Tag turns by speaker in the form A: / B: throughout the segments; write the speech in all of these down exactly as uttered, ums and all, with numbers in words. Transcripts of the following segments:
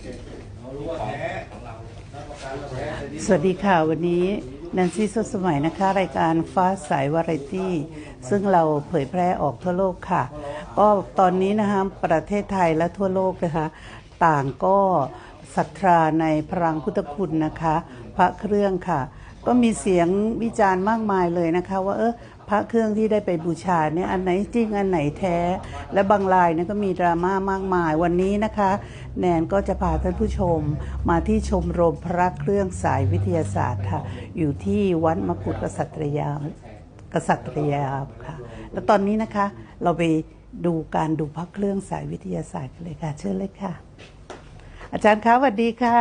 A: สวัสดีค่ะวันนี้แนนซี่สดสมัยนะคะรายการฟ้าใสวาไรตี้ซึ่งเราเผยแพร่ออกทั่วโลกค่ะก็ตอนนี้นะคะประเทศไทยและทั่วโลกนะคะต่างก็ศรัทธาในพลังพุทธคุณนะคะพระเครื่องค่ะก็มีเสียงวิจารณ์มากมายเลยนะคะว่าเออพระเครื่องที่ได้ไปบูชาเนี่ยอันไหนจริงอันไหนแท้และบางรายเนี่ยก็มีดราม่ามากมายวันนี้นะคะแนนก็จะพาท่านผู้ชมมาที่ชมรมพระเครื่องสายวิทยาศาสตร์ค่ะอยู่ที่วัดมกุฎกษัตริยากษัตริยาค่ะแล้วตอนนี้นะคะเราไปดูการดูพระเครื่องสายวิทยาศาสตร์กันเลยค่ะเชิญเลยค่ะอาจารย์คะสวัสดีค่ะ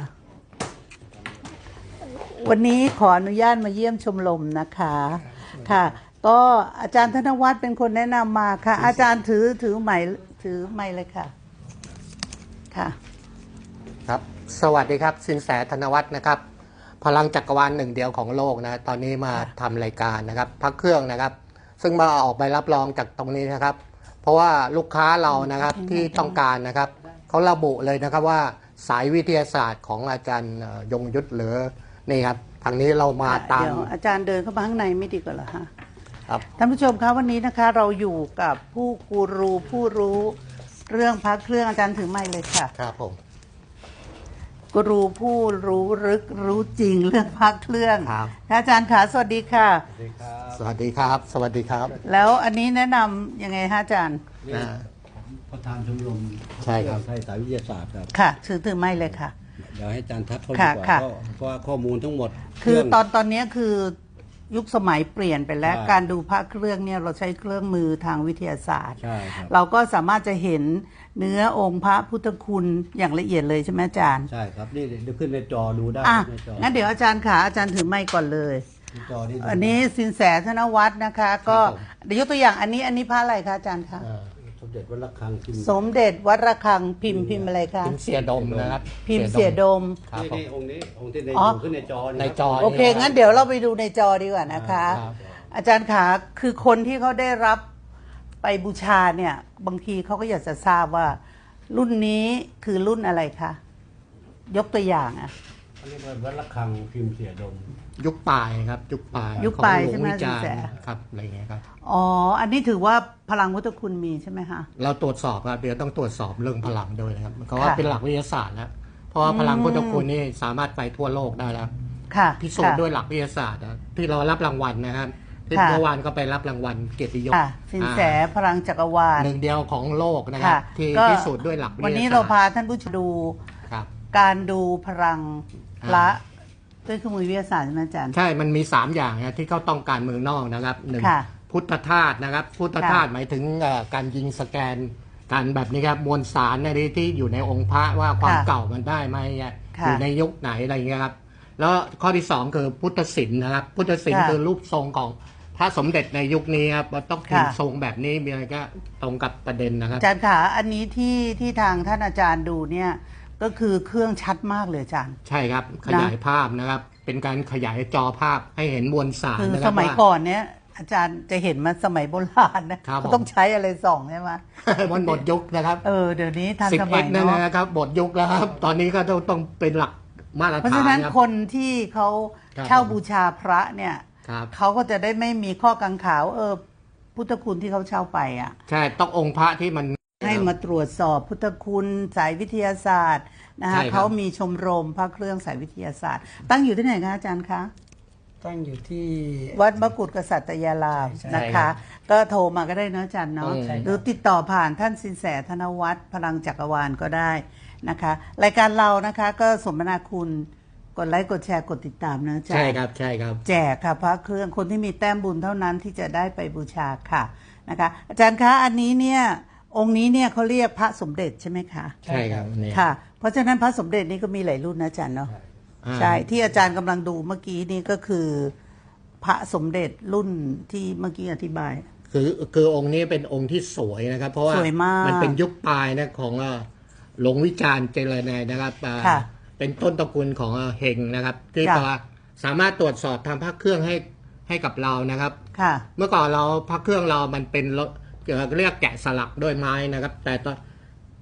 A: วันนี้ขออนุญาตมาเยี่ยมชมรมนะคะค่ะก็อาจารย์ธนวัฒน์เป็นคนแนะนำมาค่ะอาจารย์ถือถือไม้ถือไม้เลยค่ะค่ะ
B: ครับสวัสดีครับสินแสธนวัฒน์นะครับพลังจักรวาลหนึ่งเดียวของโลกนะตอนนี้มาทำรายการนะครับพระเครื่องนะครับซึ่งมาออกใบรับรองจากตรงนี้นะครับเพราะว่าลูกค้าเรานะครับที่ต้องการนะครับเขาระบุเลยนะครับว่าสายวิทยาศาสตร์ของอาจารย์ยงยุทธหรือนี่ครับทางนี้เรามาตาม
A: เดี๋ยวอาจารย์เดินเข้ามาข้างในไม่ดีกว่าเหรอฮะ
B: ครับ
A: ท่านผู้ชมครับวันนี้นะคะเราอยู่กับผู้กูรูผู้รู้เรื่องพระเครื่องอาจารย์ถือไม้เลยค่ะ
B: ครับผม
A: กูรูผู้รู้ลึกรู้จริงเรื่องพระเครื่อง
B: ครับ
A: อาจารย์ขาสวัสดีค่ะ
B: สวัสดีครับสวัสดีครับ
A: แล้วอันนี้แนะนำยังไงฮะอาจารย์
C: ประธานชมรม
B: ใช่ครับ
C: ไทยสายวิทยาศาสตร์ครับ
A: ค่ะถือถือไม้เลยค่ะ
C: เดี๋ยวให้อาจารย์ทักเขาดีกว่าเพราะว่าข้อมูลทั้งหมด
A: คือตอนตอนนี้คือยุคสมัยเปลี่ยนไปแล้วการดูพระเครื่องเนี่ยเราใช้เครื่องมือทางวิทยาศาสตร์เราก็สามารถจะเห็นเนื้อองค์พระพุทธคุณอย่างละเอียดเลยใช่ไหมอาจารย์
C: ใช่ครับนี่เดี๋ยวขึ้นในจอดูได้
A: ในจองั้นเดี๋ยวอาจารย์ขาอาจารย์ถือไม้ก่อนเลยอันนี้สินแสธนวัฒน์นะคะก็เดี๋ยวยกตัวอย่างอันนี้อันนี้พระอะไรคะอาจารย์คะ
C: สมเด็จวัดระฆังพิมพ์
A: สมเด็จวัดระฆังพิมพ์พิมพ์อะไรคะ
B: พิมพ์เสียดมนะครับ
A: พิมพ์เสียดม
C: นี่องค์นี้องค์ที่ในอยู่ขึ้นในจอ
B: ในจอ
A: โอเคงั้นเดี๋ยวเราไปดูในจอดีกว่านะคะอาจารย์ขาคือคนที่เขาได้รับไปบูชาเนี่ยบางทีเขาก็อยากจะทราบว่ารุ่นนี้คือรุ่นอะไรคะยกตัวอย่างอ่ะ
C: อันนี้เป็นวัดระฆังพิมพ์เสียดม
B: ยุคปลายครับยุคปลาย
A: ยุคปลายใช่ไหมสินแส
B: ครับอะไรเงี้ยครับ
A: อ๋ออันนี้ถือว่าพลังพุทธคุณมีใช่ไหมคะ
B: เราตรวจสอบครับเดี๋ยวต้องตรวจสอบเรื่องพลังด้วยนะครับเขาว่าเป็นหลักวิทยาศาสตร์แล้วเพราะว่าพลังพุทธคุณนี่สามารถไปทั่วโลกได้แล้วพิสูจน์ด้วยหลักวิทยาศาสตร์ที่เรารับรางวัลนะครับที่เมื่อวานก็ไปรับรางวัลเกียรติยศ
A: สินแสพลังจักรวาล
B: หนึ่งเดียวของโลกนะครับที่พิสูจน์ด้วยหลักวิทยาศาสตร์
A: วันนี้เราพาท่านผู้ชมดูการดูพลังพระด้วยเครื่องมือวิทยาศาสตร์ใช่ไหมอาจารย์
B: ใช่มันมีสามอย่างนะที่เขาต้องการเมืองนอกนะครับหนึ่งพุทธธาตุนะครับพุทธธาตุหมายถึงการยิงสแกนการแบบนี้ครับมวลสารในที่อยู่ในองค์พระว่าความเก่ามันได้ไหมอยู่ในยุคไหนอะไรเงี้ยครับแล้วข้อที่สองคือพุทธศิลป์นะครับพุทธศิลป์คือรูปทรงของพระสมเด็จในยุคนี้ครับต้องเป็นทรงแบบนี้มีอะไรก็ตรงกับประเด็นนะครับ
A: อาจารย์ขาอันนี้ที่ที่ทางท่านอาจารย์ดูเนี่ยก็คือเครื่องชัดมากเลยอาจารย์
B: ใช่ครับขยายภาพนะครับเป็นการขยายจอภาพให้เห็นมวลสาร
A: คือสมัยก่อนเนี้ยอาจารย์จะเห็นมาสมัยโบราณนะต้องใช้อะไรส่องใช่ไหม
B: มันหมดยุคนะครับ
A: เออเดี๋ยวนี้ทันสมัย
B: นั่นนะครับหมดยุคแล้วครับตอนนี้ก็ต้องต้องเป็นหลักมาตรฐานเพราะฉะนั้น
A: คนที่เขาเช่าบูชาพระเนี่ยเขาก็จะได้ไม่มีข้อกังขาเออพุทธคุณที่เขาเช่าไปอ่ะ
B: ใช่ต้ององค์พระที่มัน
A: ให้มาตรวจสอบพุทธคุณสายวิทยาศาสตร์นะคะเขามีชมรมพระเครื่องสายวิทยาศาสตร์ตั้งอยู่ที่ไหนคะอาจารย์คะ
D: ตั้งอยู่ที่
A: วัดมกุฎกษัตริยารามนะคะก็โทรมาก็ได้นะอาจารย์เนาะหรือติดต่อผ่านท่านสินแสธนวัฒน์พลังจักรวาลก็ได้นะคะรายการเรานะคะก็สมนาคุณกดไลค์กดแชร์กดติดตามนะอาจารย์
B: ใช่ครับใช่ครับ
A: แจกค่ะพระเครื่องคนที่มีแต้มบุญเท่านั้นที่จะได้ไปบูชาค่ะนะคะอาจารย์คะอันนี้เนี่ยองค์นี้เนี่ยเขาเรียกพระสมเด็จใช่ไหมคะ
B: ใช่ครับ
A: ค่ะเพราะฉะนั้นพระสมเด็จนี้ก็มีหลายรุ่นนะอาจารย์เนาะใช่ที่อาจารย์กำลังดูเมื่อกี้นี่ก็คือพระสมเด็จรุ่นที่เมื่อกี้อธิบาย
B: คือคือองค์นี้เป็นองค์ที่สวยนะครับเพราะว่ามันเป็นยุคปลายนะของหลวงวิจารณ์เจริญนายนะครับเป็นต้นตระกูลของเฮงนะครับที่สามารถตรวจสอบทำพระเครื่องให้ให้กับเรานะครับเมื่อก่อนเราพระเครื่องเรามันเป็นเรียกแกะสลักด้วยไม้นะครับแต่ตอน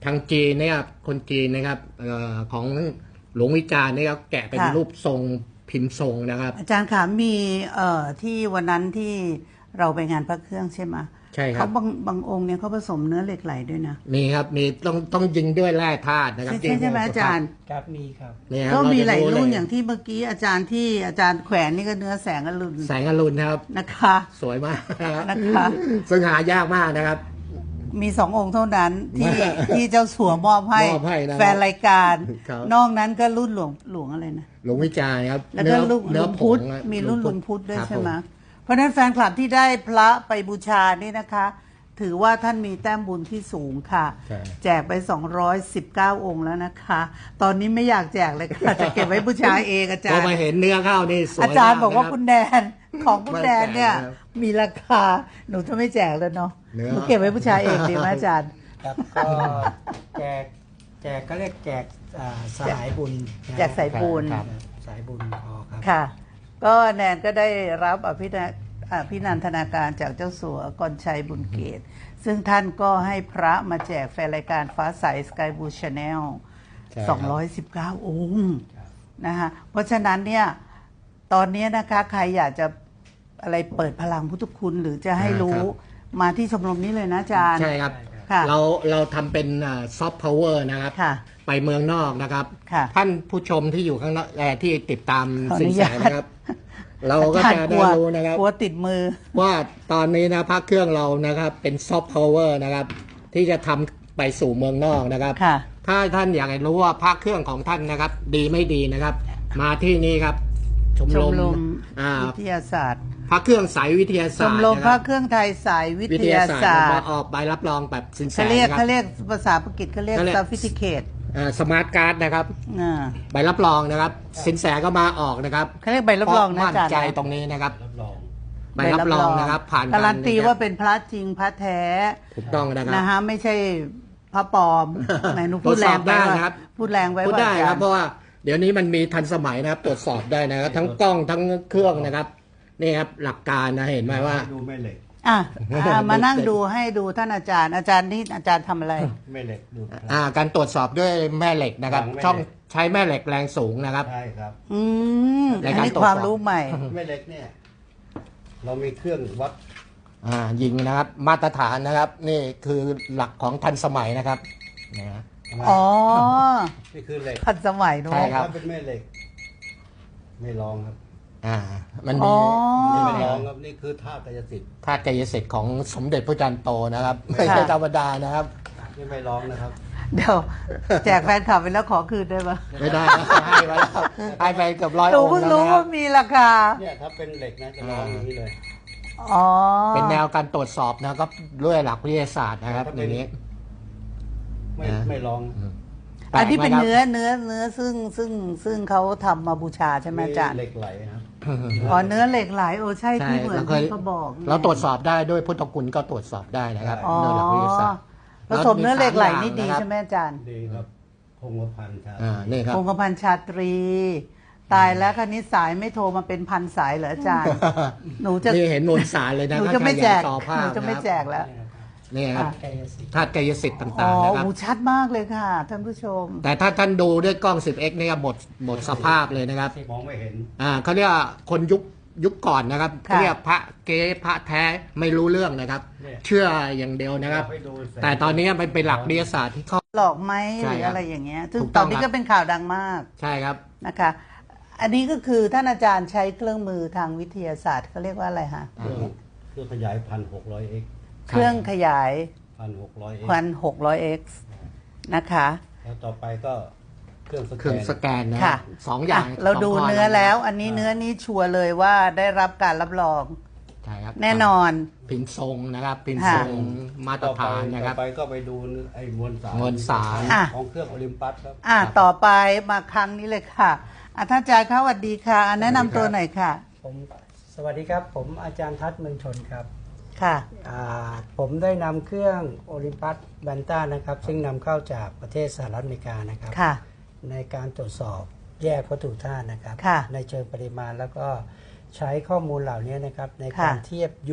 B: ทางจีนเนี่ยคนจีนนะครับเอ่อของหลวงวิจารณ์เนี่ยแกะเป็น
A: ค่ะ
B: รูปทรงพิมพ์ทรงนะครับ
A: อาจารย์คะมีเอ่อที่วันนั้นที่เราไปงานพระเครื่องใช่ไหม
B: ใช่ครับ
A: เขาบางบางองค์เนี่ยเขาผสมเนื้อเหล็กไหลด้วยนะ
B: มีครับมีต้องต้องยิงด้วยแร่ธาตุนะครับ
A: ใช่ใช่ใช่ไหมอาจารย์
D: ครับมีครับ
B: เนี่ยครับ
A: ก็มีหลาย
B: เจะ
A: รุ่น
B: เ
A: อย่างที่เมื่อกี้อาจารย์ที่อาจารย์แขวนนี่ก็เนื้อแสงอรุณ
B: แสงอรุณนะครับ
A: นะคะ
B: สวยมากนะครับ
A: นะคะ
B: ซึ่งหายากมากนะครับ
A: มีสององค์เท่านั้นที่ที่เจ้าสัวมอบให้
B: มอบให้นะครับ
A: แฟนรายการ
B: ครับ
A: นอกนั้นก็รุ่นหลวงหลวงอะไรนะ
B: หลวงวิจารณ์ครับ
A: แล้วก็ลุง
B: เนื้
A: ลุ
B: อง ผ
A: พุท
B: ง
A: ธ
B: อะ
A: มีรุ่นลุงพุทธด้วย
B: ครับ
A: ใช่ไหม
B: ผ
A: เพราะฉะนั้นแฟนคลับที่ได้พระไปบูชานี่นะคะ ถือว่าท่านมีแต้มบุญที่สูงค่ะ
B: ใช่
A: แจกไปสองร้อยสิบเก้าองค์แล้วนะคะ ตอนนี้ไม่อยากแจกเลยค่ะ จะเก็บไว้บูชาเองอาจา
B: พอ
A: รย์
B: มาเห็นเนื้อข้าวนี่สวย
A: อาจารย์
B: ม
A: บอกว่า
B: นะ
A: คุณแดนของคุณแดนเนี่ย
B: ไม่แจกนะครับ
A: มีราคาหนูจะไม่แจกแล้วเนาะ
B: เนื้อ
A: หนูเก็บไว้บูชาเองดีไหมอาจารย์
D: ครับก็แจกแจกก็เรียกแจกอ่าสายบุญนะ
A: แจกสายบุญ
D: ครับสายบุญพอครับ
A: ค่ะ ก็แนนก็ได้รับอภินาอภินันทนาการจากเจ้าสัวกรชัยบุญเกต ซึ่งท่านก็ให้พระมาแจกแฟนรายการฟ้าใสสกายบูชาแนล
B: ใช่ครับ
A: สองร้อยสิบเก้าองค์นะคะเพราะฉะนั้นเนี่ยตอนนี้นะคะใครอยากจะอะไรเปิดพลังพุทธคุณ หรือจะให้รู้มาที่ชมรมนี้เลยนะอาจารย์
B: ใช่ครับ
A: ค่ะ
B: เราเราทำเป็นซอฟต์พาวเวอร์นะครับ
A: ค่ะ
B: ไปเมืองนอกนะครับ
A: ค่ะ
B: ท่านผู้ชมที่อยู่ข้างนอกเอ่อที่ติดตาม
A: ขออ
B: สิน
A: นุ
B: แส
A: ญาต
B: นะครับ เราก็
A: อาจาร
B: จะ
A: ย์ก
B: ได้
A: ลัว
B: รู้นะครับ
A: กลัวติดมือ
B: ว่าตอนนี้นะพระเครื่องเรานะครับเป็นซอฟต์พาวเวอร์นะครับ ที่จะทำไปสู่เมืองนอกนะครับ
A: ค่ะ
B: ถ้าท่านอยากจะรู้ว่าพระเครื่องของท่านนะครับ ดีไม่ดีนะครับ มาที่นี่ครับ ชม
A: ช
B: ร
A: ม
B: ม
A: รม
B: อ่า
A: วิทยาศาสตร์
B: พระเครื่องสายวิทยา
A: ช
B: ศาสต
A: ม
B: ร์
A: รม
B: นะ
A: พ
B: ค
A: ระ
B: รับ
A: เครื่องไทยสายวิ
B: วิ
A: ท
B: ทยาย
A: า
B: ศาสตร์
A: ศาสต
B: มา
A: ร์
B: ออกใบรับรองแบบสินแส
A: เขาเรียก
B: นะครับ
A: เขาเรียกภาษาอังกฤษเขาเรียก
B: เขาเรียก
A: ซาฟิติเคต
B: สมาร์ทการ์ดนะครับ
A: อ่า
B: ใบรับรองนะครับ สินแสก็มาออกนะครับ
A: เขาเรียกใบรับรองนะ
B: เพา
A: อาจารย์
B: มั่นใจ
A: นะ
B: ตรงนี้นะครับ
C: รับรอง
B: ใบรับรองนะครับ ผ่าน
A: การันตี
B: ะคบ
A: ว่าเป็นพระจริงพระแท้
B: ถูกต้องนะครับ
A: นะฮะไม่ใช่พระปลอมไหนหนูพูดแรงไป
B: ตรวจสอบได้
A: ว่า
B: นะครับ
A: พูดแรงไว้
B: พูด
A: ว่า
B: ได้
A: อาจา
B: ค
A: ร
B: รับ
A: ย์
B: เพราะว่าเดี๋ยวนี้มันมีทันสมัยนะครับ ตรวจสอบได้นะครับ ทั้งกล้องทั้งเครื่องนะครับนี่ครับหลักการนะเห็นไหมว่า
C: ดูแม่เหล็ก
A: อ่ะอ่ะมานั่งดูให้ดูท่านอาจารย์ อาจารย์นี่อาจารย์ทำอะไร
C: แม่เหล็กดู
B: อ่าการตรวจสอบด้วยแม่เหล็กนะครับ
C: แม่เหล็ก
B: ช่องใช้แม่เหล็กแรงสูงนะครับ
C: ใช่ครับ
A: อืม
B: ใน
A: อัน
B: การ
A: นี้
B: ตรวจสอบ
A: ความรู้ใหม่
C: แม่เหล็กเนี่ยเรามีเครื่องวัด
B: อ่ายิงนะครับมาตรฐานนะครับ นี่คือหลักของทันสมัยนะครับนะฮะ
A: อ๋อ
C: นี่คือเหล็ก
A: ทันสมัยเน
B: ใช่
A: อะ
B: ครับ
C: ถ้าเป็นแม่เหล็ก ไม่ลองครับ
B: อ่ามัน
A: อ๋
B: มี
A: อ
C: นี่
B: นี่
C: ไม่
B: เป็น
C: ลองครับนี่คือธาตุกายสิทธิ์
B: ธาตุกายสิทธิ์ของสมเด็จพระจันทร์โตนะครับ ไม่ใช่ธรรมดานะครับ
C: นี่ไม่ลองนะครับ
A: เดี๋ยวแจกแฟนคลับไปแล้วขอคืนได้ปะ
B: ไม่ได้นะให้ไปแล้วให้ไปเกือบร้อย
A: หนู
B: องค์
A: เพิ่ง
B: แล้ว
A: รู้
B: นะครับ
A: ว่ามีราคา
C: เนี่ยถ้าเป็นเหล็กนะจะลองอย่างนี้เลย
A: อ๋อ
B: เป็นแนวการตรวจสอบนะครับด้วยหลักวิทยาศาสตร์นะครับอย่างนี้
C: ไม่
B: นะ
C: ไม่ลอง
B: แปลก
A: อันนี้เป็น
B: ไหมครับ
A: เนื้อเนื้อเนื้อซึ่งซึ่งซึ่งเขาทำมาบูชาใช่ไหมอาจารย์
C: เหล็กไหลครับ
A: อ๋อเนื้อเหล็กไหลโอ้ใช่
B: ใช่
A: ที่เหมือน
B: เราเคย
A: ที่เขาบอกนี่ย
B: เราตรวจสอบได้ด้วยพุทธคุณก็ตรวจสอบได้นะครับ
A: อ๋อ
B: ด้วยหลักวิทยาศาสตร์
A: ผสมเนื้อเหล็กไหลนี่ดี
B: เราจะมีสามอย่างนะครับ
A: ใช่ไหมอาจารย์
C: ดีครับคงกระพันครับ
B: อ่านี่ครับ
A: คงกระพันชาตรี ตายแล้วคันนี้สายไม่โทรมาเป็นพันสายเหรออาจารย์ หนูจะ
B: นี่เห็นมวลสารเลยนะ
A: หนู
B: ถ้า
A: จะไม่
B: ใคร
A: แจ
B: อยาก
A: ก
B: จอภา
A: หนู
B: พ
A: จะไม่
B: นะครับ
A: แจกแล้ว
B: นี่ครับ
D: กายสิทธิ์
B: ธาตุกายสิทธิ์
A: อ๋
B: ต่า
A: อง
B: ๆนะครับ
A: หูชัดมากเลยค่ะท่านผู้ชม
B: แต่ถ้าท่านดูด้วยกล้อง สิบเอ็กซ์ นี่ครับหมดหมดสภาพเลยนะครับ
C: มองไม่เห็น
B: อ่าเขาเรียกว่าคนยุคยุคก่อนนะครับ
A: ค่ะ
B: เขาเรียกพระเก๊พระแท้ไม่รู้เรื่องนะครับ
C: เนี่ย
B: เชื่ออย่างเดียวนะครับ
C: ให้ดูสง
B: แต่ตอนนี้มันเป็นหลักวิทยาศาสตร์ที่เขา
A: หลอกไหม
B: ใช่
A: หรือ
B: ครับ
A: อะไรอย่างเงี้ยซึ่ง
B: ถูก
A: ต
B: ต้
A: อ
B: อน ง
A: นี้
B: ครั
A: ก็
B: บ
A: เป็นข่าวดังมาก
B: ใช่ครับ
A: นะคะ อันนี้ก็คือท่านอาจารย์ใช้เครื่องมือทางวิทยาศาสตร์เขาเรียกว่าอะไรฮะ
C: เครื่องเครื่องขยายพันหกร้อยเอ็ก
A: เครื่องขยาย
C: พันหกร้อยเอ็ก
A: พันหกร้อยเอ็กซ์นะคะ
C: แล้วต่อไปก็เครื่องสแก
B: เครื่อง
C: น
B: สแกนนะ
A: ค่ะ
B: สองอย่าง
A: อ่ะเราดู
B: สงข้
A: เนื้อแล้ว
B: ะครับ
A: อันนี้เนื้อนี้ชัวร์เลยว่าได้รับการรับรอง
B: ใช่ครับ
A: แน่นอน
B: พิมพ์ทรงนะครับพิมพ์
A: ค่ะ
B: ทรงมาตร
C: ต่อไป
B: ฐานนะครับ
C: ต่อไปก็ไปดูไอ้มวลสาร
B: มวลสาร
A: อ่ะ
C: ของเครื่องโอลิมปัสครับ
A: อ่ะต่อไปมาครั้งนี้เลยค่ะอ่ะท่านอาจารย์คะสวัสดีค่ะอ่ะแนะนำตัวหน่อยค่ะ
D: ผมสวัสดีครับ ผมอาจารย์ทัศน์เมืองชนครับ
A: ค่ะ
D: อ่าผมได้นำเครื่องโอลิมปัสแบนต้านะครับ ซึ่งนำเข้าจากประเทศสหรัฐอเมริกานะครับ
A: ค่ะ
D: ในการตรวจสอบแยกวัตถุธาตุนะครับ
A: ค่ะ
D: ในเชิงปริมาณแล้วก็ใช้ข้อมูลเหล่านี้นะครับ ใน
A: ค่ะ
D: การเทียบยุค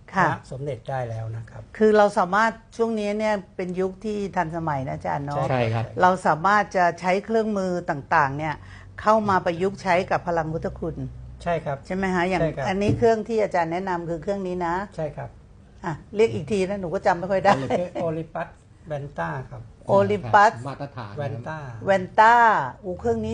A: ค่ะ
D: พระสมเด็จได้แล้วนะครับ
A: คือเราสามารถช่วงนี้เนี่ยเป็นยุคที่ทันสมัยนะอาจารย์เนาะ
B: ใช่ครับ
A: เราสามารถจะใช้เครื่องมือต่างๆเนี่ยเข้ามาประยุกต์ใช้กับพลังพุทธคุณ
D: ใช่ครับ
A: ใช่ไหมฮะอย่าง
D: ใช่ครับ
A: อันนี้เครื่องที่อาจารย์แนะนำคือเครื่องนี้นะ
D: ใช่ครับ
A: อ่ะเรียกอีกทีนะหนูก็จำไม่ค่อยได้
D: โอลิปัสแวนต้าครับ
A: โอลิมปัส
B: มาตรฐาน
D: แวนต้า
A: แวนต้าอูเครื่องนี้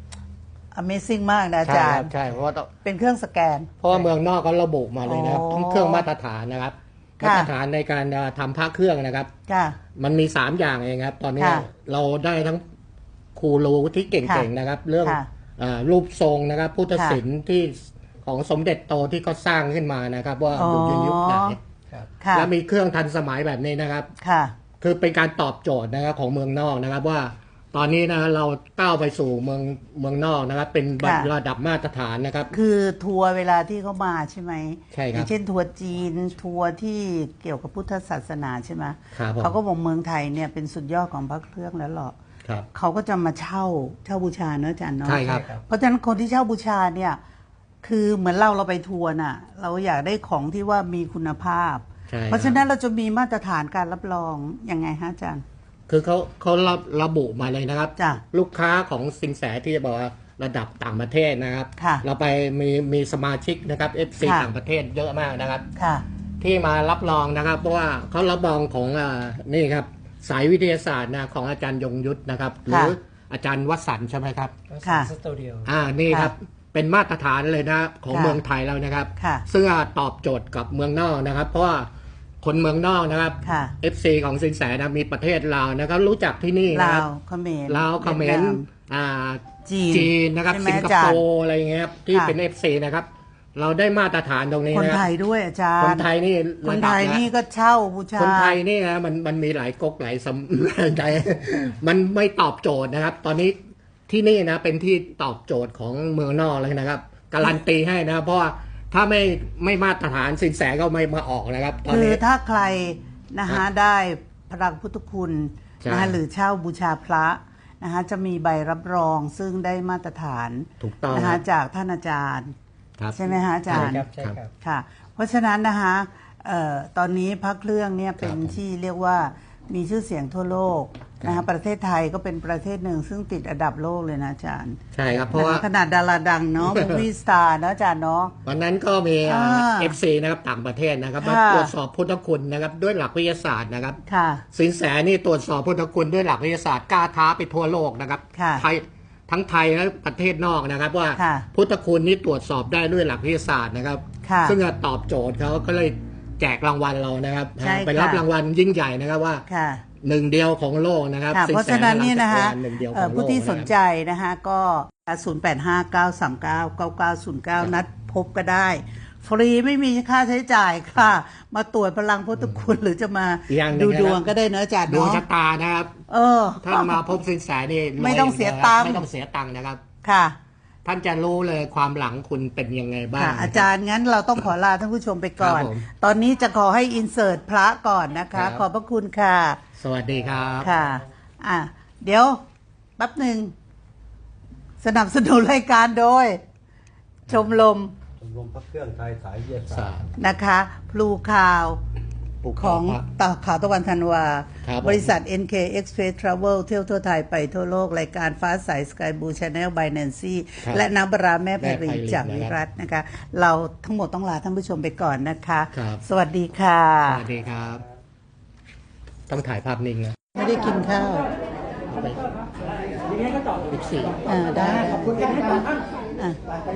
A: Amazing มากนะอา
B: ใช่
A: จา
B: ค
A: ร
B: รับ
A: ย์
B: ใช่เพราะว่าต้อง
A: เป็นเครื่องสแกน
B: เพราะว่าเมืองนอกเขาระบุมาเลยนะครับ
A: อ๋อ
B: ทั้งเครื่องมาตรฐานนะครับ
A: ค่ะ
B: มาตรฐานในการเอ่อทำพระเครื่องนะครับ
A: ค่ะ
B: มันมีสามอย่างเองครับ ตอนนี้
A: ค่ะ
B: เราได้ทั้งครูรู้ที่เก่งๆนะครับ เรื่อง
A: ค่ะ
B: เอ่อรูปทรงนะครับ พุทธศิลป์ที่ของสมเด็จโตที่เขาสร้างขึ้นมานะครับ ว่า
A: อ๋อ
B: อยู่ในยุคไหน
D: ครับ
A: ค่ะ
B: และมีเครื่องทันสมัยแบบนี้นะครับ
A: ค่ะ
B: คือเป็นการตอบโจทย์นะครับของเมืองนอกนะครับว่า ตอนนี้นะเราก้าวไปสู่เมืองเมืองนอกนะครับ เป็น
A: ค่ะ
B: ระดับมาตรฐานนะครับ
A: คือทัวร์เวลาที่เขามาใช่ไหม
B: ใช่ครับ
A: อย่างเช่นทัวร์จีนทัวร์ที่เกี่ยวกับพุทธศาสนาใช่ไหม
B: ครับผม
A: เขาก็บอกเมืองไทยเนี่ยเป็นสุดยอดของพระเครื่องแล้วหรอ
B: ครับ
A: เขาก็จะมาเช่าเช่าบูชาเนอะอาจารย์เนาะ
B: ใช่ครับ
A: เพราะฉะนั้นคนที่เช่าบูชาเนี่ยคือเหมือนเราเราไปทัวร์น่ะ เราอยากได้ของที่ว่ามีคุณภาพ
B: ใช่
A: เพราะฉะนั้นเราจะมีมาตรฐานการรับรองยังไงฮะอาจารย์
B: คือเขาเขาระระบุมาเลยนะครับ
A: จ้ะ
B: ลูกค้าของสินแสที่จะบอกว่าระดับต่างประเทศนะครับ
A: ค่ะ
B: เราไปมีมีสมาชิกนะครับ เอฟ ซี
A: ค่ะ
B: ต่างประเทศเยอะมากนะครับ
A: ค่ะ
B: ที่มารับรองนะครับ เพราะว่าเขารับรองของอ่านี่ครับสายวิทยาศาสตร์นะของอาจารย์ยงยุทธนะครับ หรืออาจารย์วสันต์ใช่ไหมครับ
A: ค่ะ
D: สตูดิโอ
B: อ่านี่ครับเป็นมาตรฐานเลยนะของ
A: ค่ะ
B: เมืองไทยแล้วนะครับ
A: ค่ะ
B: ซึ่งตอบโจทย์กับเมืองนอกนะครับ เพราะว่าคนเมืองนอกนะครับ
A: ค่ะ
B: เอฟ ซี ของสินแสนะมีประเทศลาวนะครับ รู้จักที่นี่นะ
A: ลา
B: ครับ
A: วเขมร
B: ลาวเขม
A: วีย
B: ร
A: ดนาม
B: อ่า
A: จีน
B: จีนนะครับ
A: ใช่ไหม
B: สิงค
A: อาจาร
B: โป
A: ย์
B: ร์อะไรอย่างเงี้ยครับที่
A: ค่ะ
B: เป็น เอฟ ซี นะครับ เราได้มาตรฐานตรงนี้
A: คน
B: นะ
A: ไทยด้วยอาจารย์
B: คนไทยนี่
A: คน
B: ระ
A: ไท
B: ดับ
A: ย
B: นะ
A: นี่ก็เช่าบูชา
B: คนไทยนี่นะมันมันมีหลายก๊กหลายสำ ใจ มันไม่ตอบโจทย์นะครับ ตอนนี้ที่นี่นะเป็นที่ตอบโจทย์ของเมืองนอกเลยนะครับการันตีให้นะครับเพราะว่าถ้าไม่ไม่มาตรฐานสินแสก็ไม่มาออกนะครับ ตอน
A: คือ
B: นี้
A: ถ้าใครนะฮะได้พระพุทธคุณ
B: ใช่
A: นะฮะหรือเช่าบูชาพระนะฮะจะมีใบรับรองซึ่งได้มาตรฐาน
B: ถูกต้อง
A: นะ
B: ค
A: ฮะ
B: รับ
A: จากท่านอาจารย์
B: ครับ
A: ใช่ไหมฮะอาจารย์
D: ใช่ครับใช่ครับ
A: ค่ะ เพราะฉะนั้นนะคะเอ่อตอนนี้พระเครื่องเนี่ยเป็น
B: ครับผม
A: ที่เรียกว่ามีชื่อเสียงทั่วโลกนะ
B: ครั
A: ฮะ
B: บ
A: ประเทศไทยก็เป็นประเทศหนึ่งซึ่งติดอันดับโลกเลยนะอาจารย์
B: ใช่ครับ เพราะว่า
A: นคขนาดดาราดังเนาะ มูวี่สตาร์เนาะอาจารย์เนาะ
B: วันนั้นก็มี
A: อ่า
B: เอฟซีนะครับต่างประเทศนะครับมา
A: ค่ะ
B: ตรวจสอบพุทธคุณนะครับด้วยหลักวิทยาศาสตร์นะครับ
A: ค่ะ
B: สินแสนี่ตรวจสอบพุทธคุณด้วยหลักวิทยาศาสตร์กล้าท้าไปทั่วโลกนะครับ
A: ค่ะ
B: ไทยทั้งไทยและประเทศนอกนะครับ ว่า
A: ค่ะ
B: พุทธคุณนี่ตรวจสอบได้ด้วยหลักวิทยาศาสตร์นะครับ
A: ค่ะ
B: ซึ่งจะตอบโจทย์เขาก็เลยแจกรางวัลเรานะครับ
A: ใช่ค่ะ
B: ไปรับรางวัลยิ่งใหญ่นะครับว่า
A: ค่ะ
B: หนึ่งเดียวของโลกนะครับ
A: ค่ะ
B: สิน
A: เพราะ
B: แส
A: ฉะนั้นเนี่ยนะคะ
B: หนึ่งเดียวข
A: เอ่
B: อ
A: อง
B: โลก
A: ผู้ที่สน
B: นะครับ
A: ใจนะคะก็ ศูนย์ แปด ห้า เก้า สาม เก้า เก้า เก้า ศูนย์ เก้า นัดพบก็ได้ ฟรีไม่มีค่าใช้จ่ายค่ะ มาตรวจพลังพุทธคุณหรือจะมา
B: อีกอย่างหนึ่
A: ดู
B: งนะครับ
A: ดวงก็ได้เนอะอาจารย์
B: ดวง
A: เนาะ
B: ชะตานะครับ
A: เออ
B: ถ้ามาพบสินแสนี่รว
A: ไม่ต้องเสีย
B: นะค
A: ตั
B: รับ
A: งค์
B: ไม่ต้องเสียตังค์นะครับ
A: ค่ะ
B: ท่านจะรู้เลยความหลังคุณเป็นยังไงบ้าง
A: ค่ะ
B: นะคบ
A: อาจารย์งั้นเราต้องขอลาท่านผู้ชมไปก่อน
B: ครับผม
A: ตอนนี้จะขอให้อินเสิร์ตพระก่อนนะ
B: ครั
A: คะ
B: บ
A: ขอบพระคุณค่ะ
B: สวัสดีครับ
A: ค่ะ อ่ะ เดี๋ยวแป๊บหนึ่ง สนับสนุนรายการโดย ชมรม
C: ชมรมพระเครื่องไทยสายวิทยาศา
B: ศา
C: ส
B: ส
C: ต
B: ต
C: ร์
B: ร์
A: นะคะ พลูข่าว
B: ปลูก
A: ของ
B: พระ
A: ต่อข่าวตะวันธันวา
B: ครับผม
A: บริษัท เอ็น เค Express Travel เที่ยวทั่วไทยไปทั่วโลก รายการฟ้าใส Sky Blue Channel by Nancy
B: ครับ
A: และน้ำปลาร้าแม่ไพ
B: แม่ไพริ
A: รี
B: น
A: จาก
B: นะครับ
A: วิรัตนะคะ เราทั้งหมดต้องลาท่านผู้ชมไปก่อนนะคะ
B: ครับ
A: สวัสดีค่ะ
B: สวัสดีครับ ต้องถ่ายภาพนิ่งนะ
A: ไม่ได้กินข้าว
B: เอาไปสิบสี่
A: อ่าได้ขอบคุณค่ะอ่ะ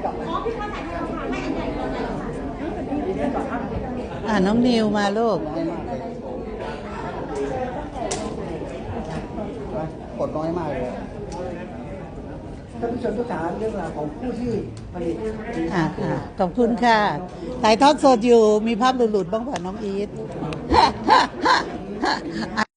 A: อ่าน้องนิวมาลูก
D: กดน้อยมากเลยท่านผู้ชมทุกท่านเรื่องราวของผู้ที่ผลิต
A: อ่าค่ะขอบคุณค่ะถ่ายทอดสดอยู่มีภาพหลุดๆบ้างป่ะน้องอีท